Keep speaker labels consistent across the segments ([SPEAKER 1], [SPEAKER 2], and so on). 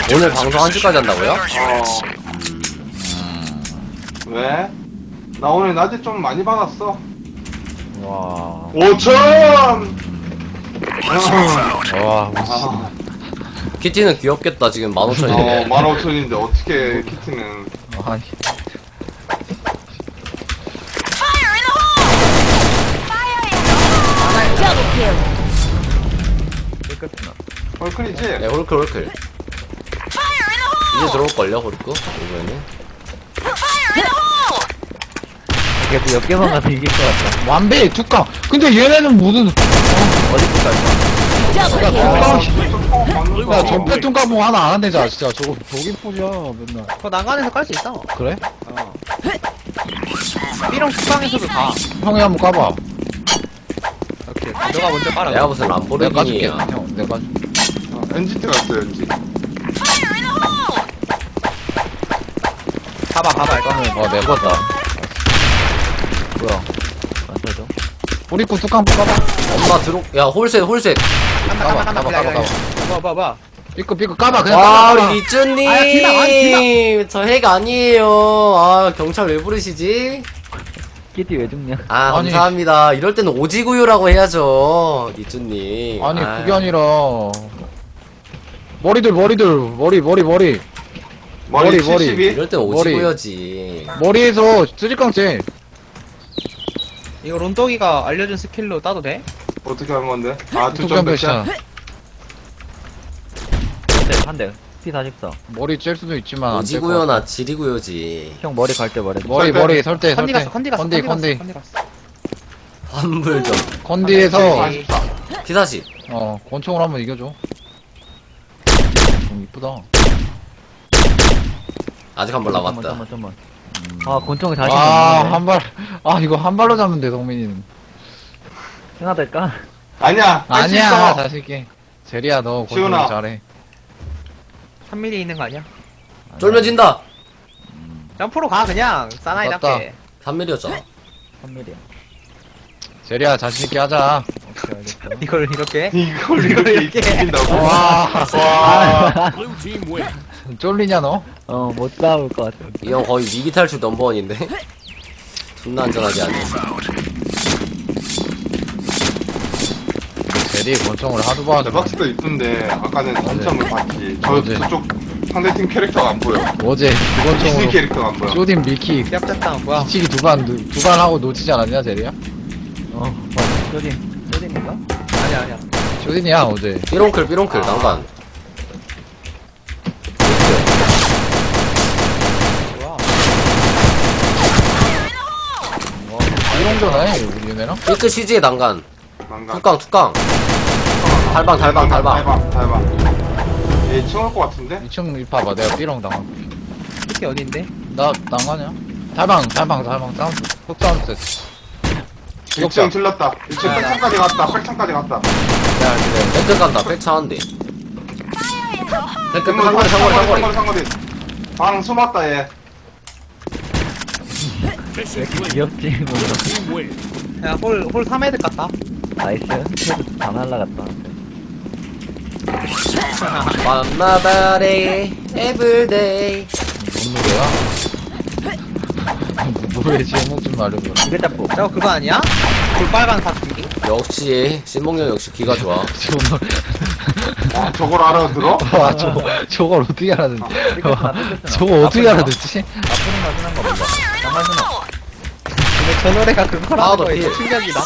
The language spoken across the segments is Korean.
[SPEAKER 1] 오늘 방송 1시까지 한다고요?
[SPEAKER 2] 왜? 나 오늘 낮에 좀 많이 받았어.
[SPEAKER 3] 와.
[SPEAKER 2] 5천!
[SPEAKER 3] 와.
[SPEAKER 2] 아,
[SPEAKER 1] 키티는 귀엽겠다. 지금 15,000인데.
[SPEAKER 2] 15,000인데 어떻게 키트는.
[SPEAKER 3] 아니. 깨끗하나.
[SPEAKER 2] 헐클이지?
[SPEAKER 1] 네, 홀클. 이제 들어올걸요, 홀클? 이번에는.
[SPEAKER 4] 그래도 몇 개만 가도 이길 것 같다.
[SPEAKER 3] 완배 뚜껑. 근데 얘네는 무슨
[SPEAKER 4] 어디부터 갈까?
[SPEAKER 3] 야 전패 뚜껑 뭐 하나 안 한대잖아 진짜. 저거 독인 포지야 맨날.
[SPEAKER 5] 그거 난간에서 깔 수 있어.
[SPEAKER 3] 그래?
[SPEAKER 5] B랑 국방에서도 가.
[SPEAKER 3] 형이 한번 까봐.
[SPEAKER 5] 오케이. 너가 먼저 깔아.
[SPEAKER 1] 내가 무슨
[SPEAKER 3] 내가 까줄게.
[SPEAKER 1] 람보르기니야.
[SPEAKER 3] 형 내가 까줄게.
[SPEAKER 2] NGT 갔어, NG.
[SPEAKER 5] 봐봐 이거.
[SPEAKER 3] 내가 깠다.
[SPEAKER 4] 뭐야? 안 써져?
[SPEAKER 3] 우리 거 뚜껑 까봐.
[SPEAKER 1] 엄마 야, 홀셋.
[SPEAKER 5] 간다.
[SPEAKER 3] 까봐.
[SPEAKER 5] 봐.
[SPEAKER 3] 삐끗 까봐 그냥
[SPEAKER 1] 와,
[SPEAKER 3] 까봐.
[SPEAKER 1] 우리 리쭈님!
[SPEAKER 5] 아, 비나.
[SPEAKER 1] 저 핵 아니에요. 아, 경찰 왜 부르시지?
[SPEAKER 4] 키티 왜 죽냐?
[SPEAKER 1] 아,
[SPEAKER 3] 아니.
[SPEAKER 1] 감사합니다. 이럴 때는 오지구유라고 해야죠. 리쭈님.
[SPEAKER 3] 아니 그게 아니라 머리.
[SPEAKER 2] 머리
[SPEAKER 3] 머리.
[SPEAKER 2] 72?
[SPEAKER 1] 이럴 땐 오지구여지.
[SPEAKER 3] 머리에서 쓰리깡째.
[SPEAKER 5] 이거 론떡이가 알려준 스킬로 따도 돼?
[SPEAKER 2] 어떻게 하는 건데? 아,
[SPEAKER 3] 뚜껑
[SPEAKER 2] 2점
[SPEAKER 3] 배차.
[SPEAKER 2] 배차.
[SPEAKER 4] 한 대. P44.
[SPEAKER 3] 머리 찔 수도 있지만 안 찔 것 같아.
[SPEAKER 1] 오지구여나 지리구여지.
[SPEAKER 4] 형 머리 갈 때 말해.
[SPEAKER 3] 머리 설대.
[SPEAKER 5] 컨디 갔어. 컨디 갔어.
[SPEAKER 1] 환불점.
[SPEAKER 3] 컨디에서
[SPEAKER 2] 44.
[SPEAKER 1] 피사시.
[SPEAKER 3] 권총으로 한번 이겨줘. 좀 이쁘다.
[SPEAKER 1] 아직 한 번 남았다.
[SPEAKER 4] 잠깐만. 아, 권총이 다시
[SPEAKER 3] 아,
[SPEAKER 4] 먹네.
[SPEAKER 3] 한 발. 아, 이거 한 발로 잡으면 돼, 성민이는.
[SPEAKER 4] 하나 될까?
[SPEAKER 2] 아니야, 할수
[SPEAKER 3] 아니야,
[SPEAKER 2] 있어.
[SPEAKER 3] 자식이. 제리야, 너
[SPEAKER 2] 시훈아.
[SPEAKER 3] 권총 잘해.
[SPEAKER 5] 3mm 있는 거 아니야?
[SPEAKER 1] 쫄면 진다!
[SPEAKER 5] 점프로 가 그냥 사나이답게.
[SPEAKER 1] 3mm였잖아.
[SPEAKER 4] 3mm야.
[SPEAKER 3] 제리야, 자신있게 하자.
[SPEAKER 4] 오케이, 알겠어.
[SPEAKER 5] 이걸 이렇게.
[SPEAKER 2] 이걸 이렇게 이긴다고?
[SPEAKER 3] 와,
[SPEAKER 2] 와.
[SPEAKER 3] 쫄리냐, 너?
[SPEAKER 4] 못 싸울 것 같아.
[SPEAKER 1] 이 형 거의 위기 탈출 넘버원인데? 존나 안전하게 하네.
[SPEAKER 3] 제리 권총을 하도 봐가지고.
[SPEAKER 2] 대박스도 이쁜데, 아까는 단점을 봤지.
[SPEAKER 3] 어제.
[SPEAKER 2] 저쪽 상대팀 캐릭터가 안 보여.
[SPEAKER 3] 어제 그
[SPEAKER 2] 디스니
[SPEAKER 3] 권총으로.
[SPEAKER 2] 캐릭터가 안 보여.
[SPEAKER 3] 쇼딘 밀키.
[SPEAKER 5] 얍잡당 뭐야?
[SPEAKER 3] 미치기 두 반 하고 놓치지 않았냐, 제리야?
[SPEAKER 4] 맞아. 쇼딘인가?
[SPEAKER 5] 아니야.
[SPEAKER 3] 쇼딘이야, 어제.
[SPEAKER 1] 삐롱클, 난간.
[SPEAKER 5] 뭐야?
[SPEAKER 3] 이롱전하네, 우리 얘네랑?
[SPEAKER 1] 삐끗 CG의 난간.
[SPEAKER 2] 난간.
[SPEAKER 1] 뚜깡. 달방.
[SPEAKER 2] 얘 치워올 것 같은데?
[SPEAKER 3] 2층 봐봐, 내가 삐롱 당한.
[SPEAKER 5] 이게 어딘데?
[SPEAKER 3] 나 당하냐? 달방, 사운드. 흑사운드 셋.
[SPEAKER 2] 1층 틀렸다. 1층 백창까지 갔다. 백창까지 갔다.
[SPEAKER 3] 야, 그래.
[SPEAKER 1] 팩트 간다, 팩트 하는데. 팩트 상거리.
[SPEAKER 2] 방 숨었다, 얘.
[SPEAKER 4] 왜 이렇게 귀엽지? 뭔가.
[SPEAKER 5] 야, 홀 3헤드 같다.
[SPEAKER 4] 나이스. 그래도 다 날라갔다.
[SPEAKER 1] 만나다래, 에브리데이.
[SPEAKER 3] 뭔 노래야? 노래 제목 좀 알려줘.
[SPEAKER 4] 이게 잡고.
[SPEAKER 5] 저거 그거 아니야? 볼빨간 사춘기?
[SPEAKER 1] 역시, 신봉령 역시 귀가 좋아.
[SPEAKER 2] 와, 저걸 알아들어?
[SPEAKER 3] 와, 저걸 어떻게 알아듣지?
[SPEAKER 4] 삐끗하나.
[SPEAKER 3] 저거 어떻게 알아듣지?
[SPEAKER 4] 나쁘는 맛은 한거 몰라. 장난 수나.
[SPEAKER 5] 근데 저 노래가 그거라는
[SPEAKER 1] 아우도
[SPEAKER 5] 거에
[SPEAKER 1] 필.
[SPEAKER 5] 충격이다.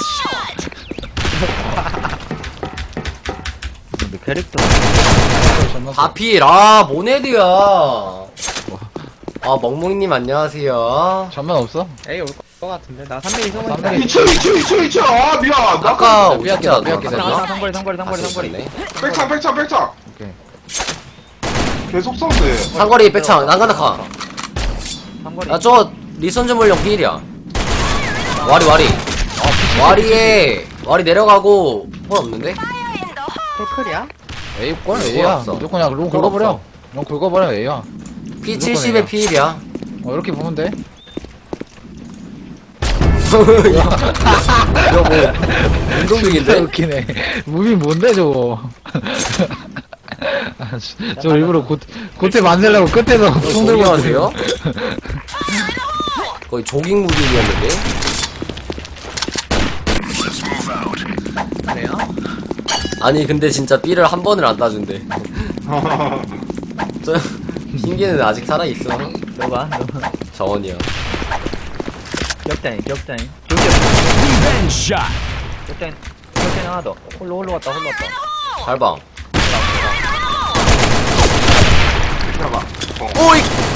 [SPEAKER 4] 근데 캐릭터.
[SPEAKER 1] 다필, 모네드야. 멍멍이님 안녕하세요.
[SPEAKER 3] 전면 없어?
[SPEAKER 5] 에이, 올 것 같은데. 나 3mm 소문
[SPEAKER 3] 3mm.
[SPEAKER 5] 있다.
[SPEAKER 2] 2층. 아, 미안. 나
[SPEAKER 1] 아까
[SPEAKER 3] 삐약이다,
[SPEAKER 1] 어떻게
[SPEAKER 3] 삐약이다.
[SPEAKER 1] 알았나?
[SPEAKER 4] 상거리.
[SPEAKER 2] 백창.
[SPEAKER 3] 오케이.
[SPEAKER 2] 계속 쏜대.
[SPEAKER 1] 상거리 백창, 난간다카.
[SPEAKER 4] 상거리.
[SPEAKER 1] 야, 저, 리선즈 물령 필이야. 와리 내려가고, 홀 없는데?
[SPEAKER 5] 홀클이야?
[SPEAKER 3] A꼴
[SPEAKER 1] 뭐
[SPEAKER 3] A야.
[SPEAKER 1] 없어.
[SPEAKER 3] 무조건 그냥 롱
[SPEAKER 1] 뭐
[SPEAKER 3] 긁어버려.
[SPEAKER 1] 없어.
[SPEAKER 3] 롱 긁어버려 A야.
[SPEAKER 1] P70에 필이야.
[SPEAKER 3] 이렇게 보면 돼.
[SPEAKER 1] 이거 뭐, 운동
[SPEAKER 3] 진짜
[SPEAKER 1] 중인데?
[SPEAKER 3] 웃기네. 무비 뭔데 저거? 저 일부러 고태 만들려고 끝에서 총 들고
[SPEAKER 1] 하세요? 거의 조깅 무빙이었는데?
[SPEAKER 5] 그래요?
[SPEAKER 1] 아니 근데 진짜 B를 한 번을 안 따준대. 저 흰개는 아직 살아있어.
[SPEAKER 4] 너가
[SPEAKER 1] 정원이야.
[SPEAKER 4] 격자인 격자인 격자인 하나 더 홀로 갔다
[SPEAKER 1] 달방.
[SPEAKER 2] 잡아.
[SPEAKER 1] 오이!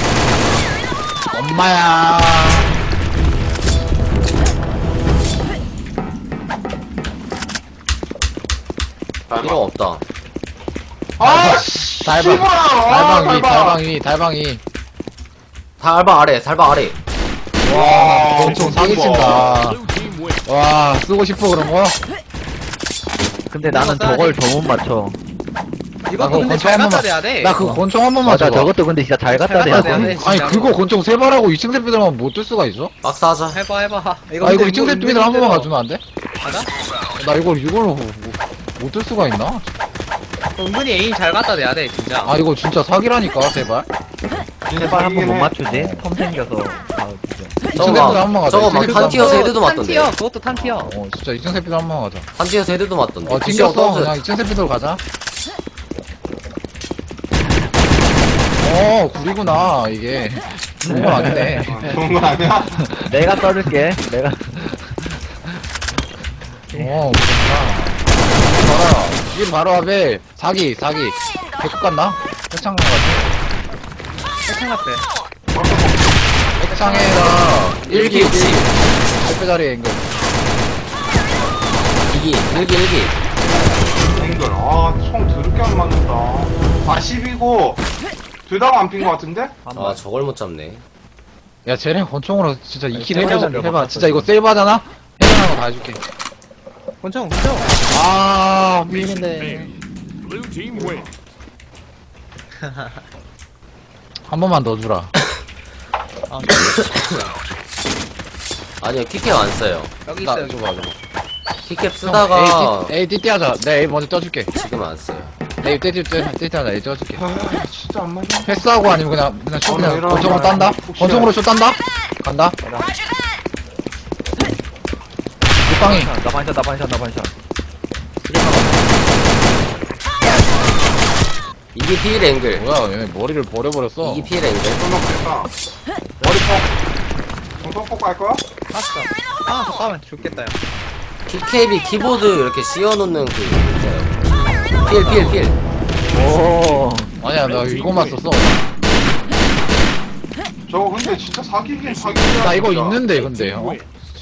[SPEAKER 3] 엄마야.
[SPEAKER 1] 필요 없다.
[SPEAKER 2] 아, 씨.
[SPEAKER 3] 달방.
[SPEAKER 2] 씨발.
[SPEAKER 3] 달방 위.
[SPEAKER 1] 달방 아래, 달방 아래.
[SPEAKER 2] 와,
[SPEAKER 3] 권총 사기친다. 와, 쓰고 싶어 그런 거?
[SPEAKER 4] 근데 나는
[SPEAKER 5] 써야
[SPEAKER 4] 저걸
[SPEAKER 5] 돼.
[SPEAKER 4] 더 못 맞춰
[SPEAKER 5] 이것도
[SPEAKER 3] 그거
[SPEAKER 5] 근데
[SPEAKER 3] 권총
[SPEAKER 5] 잘
[SPEAKER 3] 한
[SPEAKER 5] 갖다
[SPEAKER 3] 번만-
[SPEAKER 5] 대야 돼.
[SPEAKER 3] 나 그거 권총 한 번만
[SPEAKER 4] 맞아
[SPEAKER 3] 줘봐.
[SPEAKER 4] 저것도 근데 진짜 잘 갖다
[SPEAKER 5] 잘
[SPEAKER 4] 대야
[SPEAKER 5] 갖다 대야
[SPEAKER 4] 돼
[SPEAKER 5] 돼.
[SPEAKER 3] 아니
[SPEAKER 5] 진짜로.
[SPEAKER 3] 그거 권총 세 발하고 2층 새끼들만 못 뜰 수가 있어?
[SPEAKER 1] 박사하자.
[SPEAKER 5] 해봐.
[SPEAKER 3] 아 이거 2층 새끼들 한 번만 가주면 안 돼?
[SPEAKER 5] 맞아?
[SPEAKER 3] 나 이걸로 못 뜰 수가 있나?
[SPEAKER 5] 은근히 에임 잘 갖다 대야 돼 진짜.
[SPEAKER 3] 아 이거 진짜 사기라니까 제발.
[SPEAKER 4] 제발 한 번 못 맞추지 텀 생겨서 아 진짜
[SPEAKER 3] 이층 새끼들 한 번만 가자.
[SPEAKER 1] 저거
[SPEAKER 3] 이층
[SPEAKER 1] 막
[SPEAKER 3] 새끼들
[SPEAKER 1] 탄
[SPEAKER 3] 한
[SPEAKER 1] 튀어서
[SPEAKER 3] 번만
[SPEAKER 1] 헤드도 맞던데.
[SPEAKER 5] 탄티어 그것도 탄티어.
[SPEAKER 3] 어 진짜 2층 새끼들 한 번만 가자.
[SPEAKER 1] 탄 튀어서 헤드도 맞던데.
[SPEAKER 3] 어
[SPEAKER 1] 구시형
[SPEAKER 3] 튕겼어.
[SPEAKER 1] 던져.
[SPEAKER 3] 그냥 2층 새끼들 가자. 어 구리구나 이게. 좋은 건 아니네.
[SPEAKER 2] 좋은 거 아니야?
[SPEAKER 4] 내가 써줄게 내가
[SPEAKER 3] 어 그렇구나. 봐라. 이게 바로 앞에 사기. 백급 갔나? 핵창 같아.
[SPEAKER 5] 해창 났대.
[SPEAKER 3] 핵창에다 1기
[SPEAKER 1] 60.
[SPEAKER 3] 10배짜리 앵글.
[SPEAKER 1] 2기, 1기.
[SPEAKER 2] 앵글. 아, 총 더럽게 안 맞는다. 40이고, 둘 다 안 핀 거 같은데?
[SPEAKER 1] 아, 저걸 못 잡네.
[SPEAKER 3] 야 쟤네 권총으로 진짜 2킬
[SPEAKER 4] 세바잖아,
[SPEAKER 3] 해봐.
[SPEAKER 4] 바꿨어,
[SPEAKER 3] 진짜 이거 세이바잖아? 해보는 거다 해줄게.
[SPEAKER 5] 권총.
[SPEAKER 3] 아 밀린데. 한 번만 더 주라.
[SPEAKER 1] 아니요, 키캡 안 써요.
[SPEAKER 5] 여기
[SPEAKER 3] 나
[SPEAKER 5] 있어요.
[SPEAKER 3] 줘봐.
[SPEAKER 1] 키캡 쓰다가
[SPEAKER 3] A 띠띠 하자. 내 A 먼저 떠줄게.
[SPEAKER 1] 지금 안 써요.
[SPEAKER 3] A 띠띠 하자. A 떠줄게.
[SPEAKER 2] 아, 진짜 안 맞아.
[SPEAKER 3] 패스하고 아니면 그냥 슛 그냥
[SPEAKER 2] 이런
[SPEAKER 3] 권총으로
[SPEAKER 2] 거야.
[SPEAKER 3] 딴다?
[SPEAKER 2] 혹시
[SPEAKER 3] 권총으로 슛 딴다? 간다? 굿방이.
[SPEAKER 4] 나 반샷
[SPEAKER 1] 2기 필 앵글.
[SPEAKER 3] 뭐야 얘네 머리를 버려버렸어.
[SPEAKER 1] 2기 필 앵글.
[SPEAKER 2] 끊어겠다. 머리폭. 정성폭 갈 거야?
[SPEAKER 5] 봤어. 아 잠깐만 죽겠다 야.
[SPEAKER 1] 키캡이 키보드 이렇게 씌워놓는 그 있어요. 필.
[SPEAKER 4] 오
[SPEAKER 3] 아니야 나 이거만 썼어.
[SPEAKER 2] 저거 근데 진짜 사기긴 사기야.
[SPEAKER 3] 나 이거
[SPEAKER 2] 진짜.
[SPEAKER 3] 있는데 근데